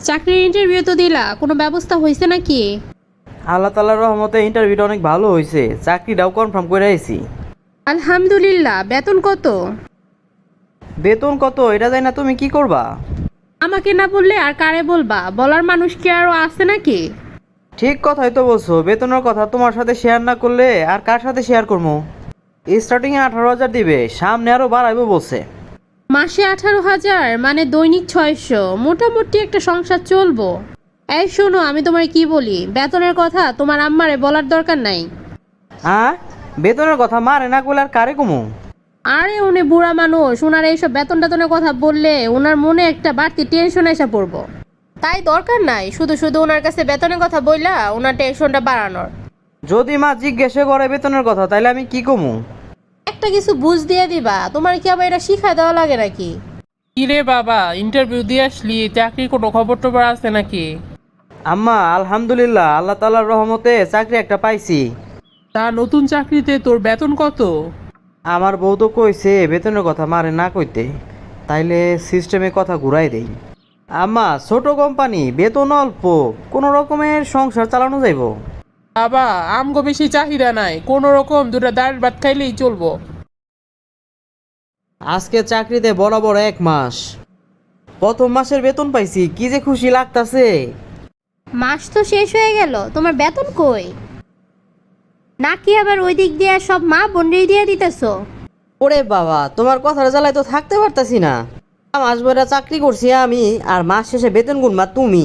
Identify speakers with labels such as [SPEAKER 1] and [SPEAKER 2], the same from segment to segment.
[SPEAKER 1] চাকরির ইন্টারভিউ তো দিলা, কোনো ব্যবস্থা হয়েছে নাকি?
[SPEAKER 2] আল্লাহ তাআলার রহমতে ইন্টারভিউটা অনেক ভালো হয়েছে, চাকরিটাও কনফার্ম করে আইছি।
[SPEAKER 1] আলহামদুলিল্লাহ। বেতন কত?
[SPEAKER 2] বেতন কত এটা জানি না, তুমি কি করবা?
[SPEAKER 1] আমাকে না বললে আর কারে বলবা? বলার মানুষ কি আরো আছে নাকি?
[SPEAKER 2] ঠিক কথাই তো বলছো, বেতনের কথা তোমার সাথে শেয়ার না করলে আর কার সাথে শেয়ার করবো? স্টার্টিংয়ে 18,000 দিবে, সামনে আরো বাড়াইবো বলছে।
[SPEAKER 1] মাসে 18,000 মানে দৈনিক 600, মোটামুটি একটা সংসার চলবো। এই শোনো, আমি তোমার কি বলি, বেতনের কথা তোমার আম্মারে বলার দরকার নাই।
[SPEAKER 2] হ্যাঁ, বেতনের কথা মারে না করলে আর কারে কমু?
[SPEAKER 1] আরে উনি বুড়া মানুষ, ওনার এইসব বেতন টেতনের কথা বললে ওনার মনে একটা বাড়তি টেনশন এসে পড়বো। তাই দরকার নাই শুধু শুধু ওনার কাছে বেতনের কথা বইলা ওনার টেনশনটা বাড়ানোর।
[SPEAKER 2] যদি মা জিজ্ঞেসে করে বেতনের কথা তাইলে আমি কি কমু?
[SPEAKER 1] একটা কিছু বুঝ দিয়ে দিবা, তোমার কি আবার এটা শিখায় দেওয়া লাগে নাকি?
[SPEAKER 3] কিরে বাবা, ইন্টারভিউ দিয়ে আসলি, চাকরির কোনো খবর টবর আছে নাকি?
[SPEAKER 2] আম্মা আলহামদুলিল্লাহ, আল্লাহ তাআলার রহমতে চাকরি একটা পাইছি।
[SPEAKER 3] তা নতুন চাকরিতে তোর বেতন কত?
[SPEAKER 2] আমার বউ তো কইছে বেতনের কথা মারে না কইতে, তাইলে সিস্টেমে কথা ঘুরাই দেই। আম্মা ছোট কোম্পানি, বেতন অল্প, কোনো রকমের সংসার চালানো যাইব।
[SPEAKER 3] বাবা, আমগো বেশি চাহিদা নাই, কোনো রকম দুটা ডাল ভাত খাইলেই চলবো।
[SPEAKER 2] আজকে চাকরিতে বরাবর 1 মাস, প্রথম মাসের বেতন পাইছি, কি যে খুশি লাগতাছে।
[SPEAKER 4] মাস তো শেষ হয়ে গেল, তোমার বেতন কই? নাকি আবার ওই দিক দিয়ে সব মা বোনরেই দিয়ে দিতেছো?
[SPEAKER 2] ওরে বাবা, তোমার কথার জ্বালায় তো থাকতে পারতাছি না। মাস ভরা চাকরি করছি আমি, আর মাস শেষে বেতন গুনবা তুমি।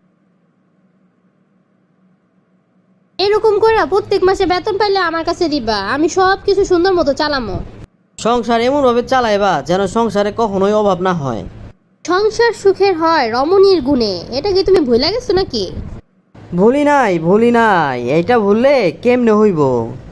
[SPEAKER 4] এরকম করে প্রত্যেক মাসে বেতন পাইলে আমার কাছে দিবা, আমি সব কিছু সুন্দর মতো চালামো।
[SPEAKER 2] সংসার এমন ভাবে চালাইবা যেন সংসারে কখনোই অভাব না হয়।
[SPEAKER 4] সংসার সুখের হয় রমণীর গুণে, এটা কি তুমি ভুলে গেছো নাকি?
[SPEAKER 2] ভুলি নাই ভুলি নাই, এইটা ভুললে কেমনে হইব?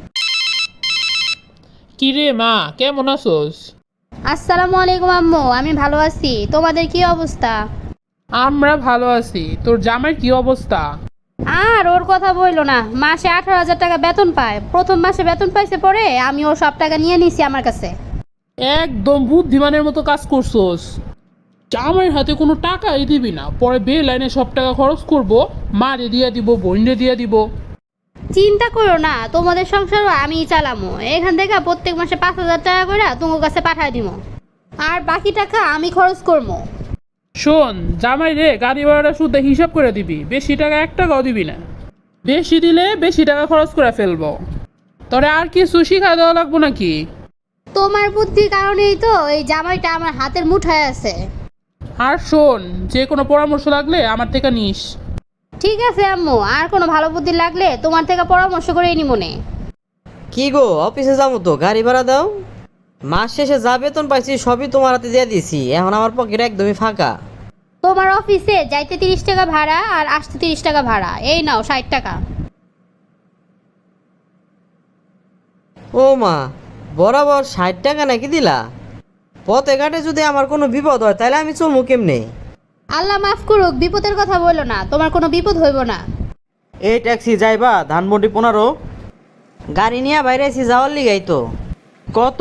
[SPEAKER 3] কিরে মা, কেমন আছোস?
[SPEAKER 4] আসসালামু আলাইকুম আম্মু, আমি ভালো আছি, তোমাদের কি অবস্থা?
[SPEAKER 3] আমরা ভালো আছি। তোর জামাইয়ের কি অবস্থা?
[SPEAKER 4] আর ওর কথা বইলো না, মাসে 18,000 টাকা বেতন পায়, প্রথম মাসে বেতন পাইছে, পরে আমি ওর সব টাকা নিয়ে নিছি আমার কাছে।
[SPEAKER 3] একদম বুদ্ধিমানের মতো কাজ করছোস। জামাইয়ের হাতে কোনো টাকাই দিবি না, পরে বে লাইনে সব টাকা খরচ করবো, মারে দিয়ে দিব, বোনরে দিয়ে দিব।
[SPEAKER 4] চিন্তা করো না, তোমাদের সংসারও আমিই চালামো। এখান থেকে প্রত্যেক মাসে 5,000 টাকা করে তোমার কাছে পাঠায় দিব, আর বাকি টাকা আমি খরচ করবো।
[SPEAKER 3] শোন জামাই রে, গাড়ি ভাড়াটা শুদ্ধ হিসাব করে দিবি, বেশি টাকা 1 টাকাও দিবি না। বেশি দিলে বেশি টাকা খরচ করে ফেলবো। তোরে আর কিছু শিখা দেওয়া লাগবো নাকি?
[SPEAKER 4] তোমার বুদ্ধির কারণেই তো এই জামাইটা আমার হাতের মুঠায় আছে।
[SPEAKER 3] আর শোন, যে কোনো পরামর্শ লাগলে আমার থেকে নিস।
[SPEAKER 4] ঠিক আছে আম্মু, আর কোনো ভালো বুদ্ধি লাগলে তোমার থেকে পরামর্শ করে নি মনে।
[SPEAKER 2] কি গো, অফিসে যাবো তো, গাড়ি ভাড়া দাও। মাস শেষে যা বেতন পাইছি সবই তোমার হাতে দিয়ে দিছি, এখন আমার পকেট একদমই ফাঁকা।
[SPEAKER 4] তোমার অফিসে যাইতে 30 টাকা ভাড়া আর আসতে 30 টাকা ভাড়া, এই নাও 60 টাকা।
[SPEAKER 2] ও মা, বরাবর 60 টাকা নাকি দিলা? পথে ঘাটে যদি আমার কোনো বিপদ হয় তাহলে আমি চলবো কেমনে?
[SPEAKER 4] আল্লাহ মাফ করুক, বিপদের কথা বললো না, তোমার কোনো বিপদ হইব না।
[SPEAKER 2] এই ট্যাক্সি যাইবা ধানমন্ডি 15? গাড়ি নিয়ে বাইরে আছি যাওয়ার লিগাই তো। কত?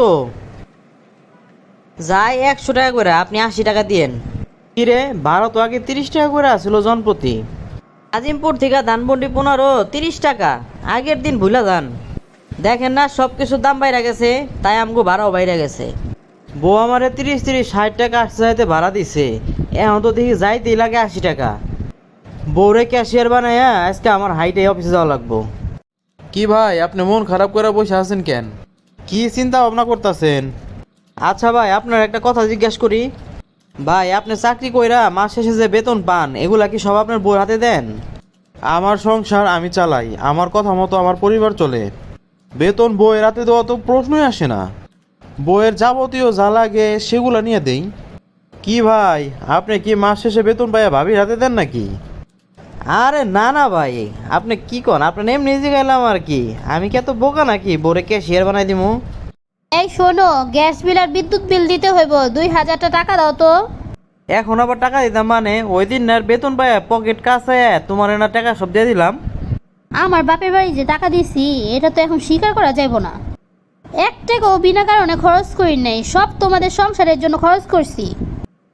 [SPEAKER 2] যাই 100 টাকা করে, আপনি 80 টাকা দিয়েন। কিরে, ভাড়া তো আগে 30 টাকা করে আসছিল জনপ্রতি। আজিমপুর থেকে ধানমন্ডি 15, 30 টাকা। আগের দিন ভুলা যান, দেখেন না সব কিছুর দাম বাইরে গেছে, তাই আমগো ভাড়াও বাইরে গেছে। বউ আমারে 30-60 টাকা আসতে যাইতে ভাড়া দিছে, এখন তো দেখি যাইতেই লাগে 80 টাকা। বউরে ক্যাশিয়ার বানাইয়া আজকে আমার হাইটে অফিসে যাওয়া লাগবো।
[SPEAKER 5] কি ভাই, আপনি মন খারাপ করে বসে আছেন কেন? কি চিন্তা ভাবনা করতেছেন?
[SPEAKER 2] আচ্ছা ভাই, আপনার একটা কথা জিজ্ঞেস করি। ভাই, আপনি চাকরি কইরা মাস শেষে যে বেতন পান এগুলা কি সব আপনার বউর হাতে দেন?
[SPEAKER 5] আমার সংসার আমি চালাই, আমার কথা মতো আমার পরিবার চলে। বেতন বইয়ের হাতে দেওয়া তো প্রশ্নই আসে না। বইয়ের যাবতীয় যা লাগে সেগুলা নিয়ে দেই। কি ভাই, আপনি কি মাস শেষে বেতন পাইয়া ভাবির হাতে দেন নাকি?
[SPEAKER 2] আরে না না ভাই, আপনি কি কন? আপনার এমনি জিগাইলাম আর কি, আমি কি এত বোকা নাকি বউরে ক্যাশিয়ার বানাই দিমু?
[SPEAKER 4] এই শোনো, গ্যাস বিল আর বিদ্যুৎ বিল দিতে হইব, 2,000 টাকা দাও তো।
[SPEAKER 2] এখন আবার টাকা দিতাম মানে? ওই দিন না বেতন পাইয়া পকেট কাছে তোমার না টাকা সব দিয়ে দিলাম।
[SPEAKER 4] আমার বাপের বাড়ি যে টাকা দিছি এটা তো এখন স্বীকার করা যাইব না। 1 টাকাও বিনা কারণে খরচ করি নাই, সব তোমাদের সংসারের জন্য খরচ করছি।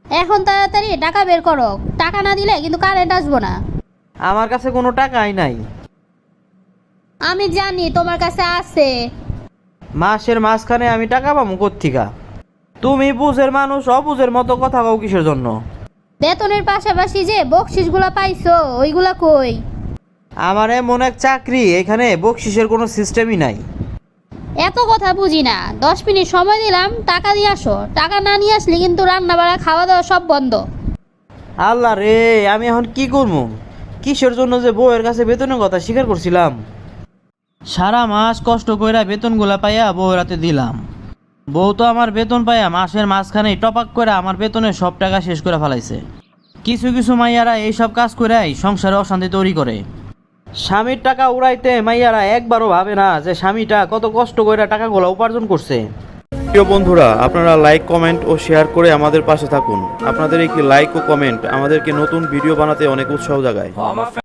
[SPEAKER 4] এখন তাড়াতাড়ি টাকা বের করো, টাকা না দিলে কিন্তু কারেন্ট আসবো না।
[SPEAKER 2] আমার কাছে কোনো টাকাই নাই।
[SPEAKER 4] আমি জানি তোমার কাছে আছে।
[SPEAKER 2] মাসের মাঝখানে আমি টাকা পাবো কোত্থিকা? তুমি বুঝের মানুষ অবুঝের মতো কথা কও কিসের জন্য?
[SPEAKER 4] বেতনের পাশাপাশি যে বকশিসগুলো পাইছো ওইগুলা কই?
[SPEAKER 2] আমার এমন এক চাকরি, এখানে বকশিসের কোনো সিস্টেমই নাই।
[SPEAKER 4] এত কথা বুঝি না, 10 মিনিট সময় দিলাম, টাকা দিয়ে আসো। টাকা না নিয়ে আসলে কিন্তু রান্না বাড়া খাওয়া দাওয়া সব বন্ধ।
[SPEAKER 2] আল্লাহ রে, আমি এখন কি করবো? কিসের জন্য যে বউয়ের কাছে বেতনের কথা স্বীকার করছিলাম? সারা মাস কষ্ট কইরা বেতনগুলা পাইয়া বউয়ের হাতে দিলাম। বউ তো আমার বেতন পাইয়া মাসের মাঝখানেই টপাক করে আমার বেতনের সব টাকা শেষ করে ফেলাইছে। কিছু কিছু মাইয়ারা এইসব কাজ করেই সংসারে অশান্তি তৈরি করে। স্বামীর টাকা উড়াইতে মাইয়ারা একবারও ভাবে না যে স্বামীটা কত কষ্ট করে টাকাগুলো উপার্জন করছে।
[SPEAKER 5] প্রিয় বন্ধুরা, আপনারা লাইক, কমেন্ট ও শেয়ার করে আমাদের পাশে থাকুন। আপনাদের একটি লাইক ও কমেন্ট আমাদেরকে নতুন ভিডিও বানাতে অনেক উৎসাহ জাগায়।